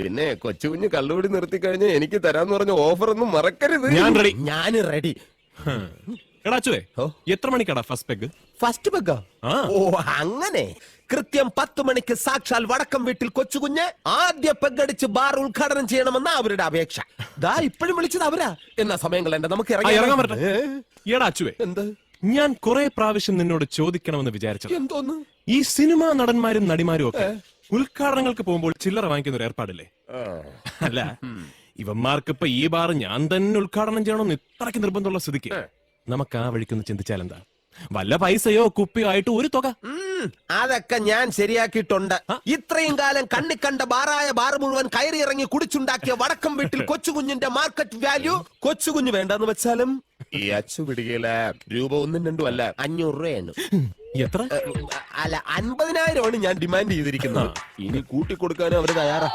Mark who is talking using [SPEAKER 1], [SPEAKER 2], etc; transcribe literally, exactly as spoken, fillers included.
[SPEAKER 1] പിന്നെ കൊച്ചുകുഞ്ഞ് കള്ളുപിടി നിർത്തി കഴിഞ്ഞാൽ എനിക്ക് തരാന്ന് പറഞ്ഞ ഓഫർ ഒന്നും മറക്കരുത്.
[SPEAKER 2] ഞാൻ റെഡി.
[SPEAKER 1] ഞാൻ റെഡി.
[SPEAKER 2] എടാച്ചുവേ, എത്ര മണിക്കടാ ഫസ്റ്റ് പെഗ്?
[SPEAKER 1] ഫസ്റ്റ് പെഗ്ഗോ? ഓ അങ്ങനെ. കൃത്യം പത്ത് മണിക്ക് സാക്ഷാൽ വടക്കം വീട്ടിൽ കൊച്ചുകുഞ്ഞ് ആദ്യ പെഗ്ഗടിച്ച് ബാർ ഉദ്ഘാടനം ചെയ്യണമെന്ന അവരുടെ അപേക്ഷ. ദാ ഇപ്പോഴും വിളിച്ചത് അവരാ. എന്നാ സമയങ്ങൾ എന്റെ നമുക്ക്
[SPEAKER 2] ഇറങ്ങാൻ പറ്റേ. എടാച്ചുവേ,
[SPEAKER 1] എന്ത്?
[SPEAKER 2] ഞാൻ കുറെ പ്രാവശ്യം നിന്നോട് ചോദിക്കണമെന്ന് വിചാരിച്ചു.
[SPEAKER 1] എന്തോന്ന്?
[SPEAKER 2] ഈ സിനിമാ നടന്മാരും നടിമാരും ഒക്കെ ഉദ്ഘാടനങ്ങൾക്ക് പോകുമ്പോൾ ചില്ലറ വാങ്ങിക്കുന്ന ഒരു ഏർപ്പാടില്ലേ? അല്ല, ഇവന്മാർക്ക് ഇപ്പൊ ഈ ബാർ ഞാൻ തന്നെ ഉദ്ഘാടനം ചെയ്യണമെന്ന് ഇത്രയ്ക്ക് നിർബന്ധമുള്ള സ്ഥിതിക്ക് നമുക്ക് ആ വഴിക്കൊന്ന് ചിന്തിച്ചാൽ എന്താ? വല്ല പൈസയോ കുപ്പിയോ ആയിട്ട് ഒരു തുക.
[SPEAKER 1] അതൊക്കെ ഞാൻ ശരിയാക്കിയിട്ടുണ്ട്. ഇത്രയും കാലം കണ്ണി കണ്ട ബാറായ ബാർ മുഴുവൻ കയറി ഇറങ്ങി കുടിച്ചുണ്ടാക്കിയ വടക്കം വീട്ടിൽ കൊച്ചുകുഞ്ഞിന്റെ മാർക്കറ്റ് വാല്യൂ കൊച്ചുകുഞ്ഞ് വേണ്ടെന്ന് വെച്ചാലും ഈ അച്ചു പിടികയില രൂപ ഒന്നും രണ്ടും അല്ല, അഞ്ഞൂറ് രൂപയാണ്.
[SPEAKER 2] എത്ര?
[SPEAKER 1] അല്ല, അൻപതിനായിരമാണ് ഞാൻ ഡിമാൻഡ് ചെയ്തിരിക്കുന്നത്. ഇനി കൂട്ടിക്കൊടുക്കാനും അവര് തയ്യാറാ.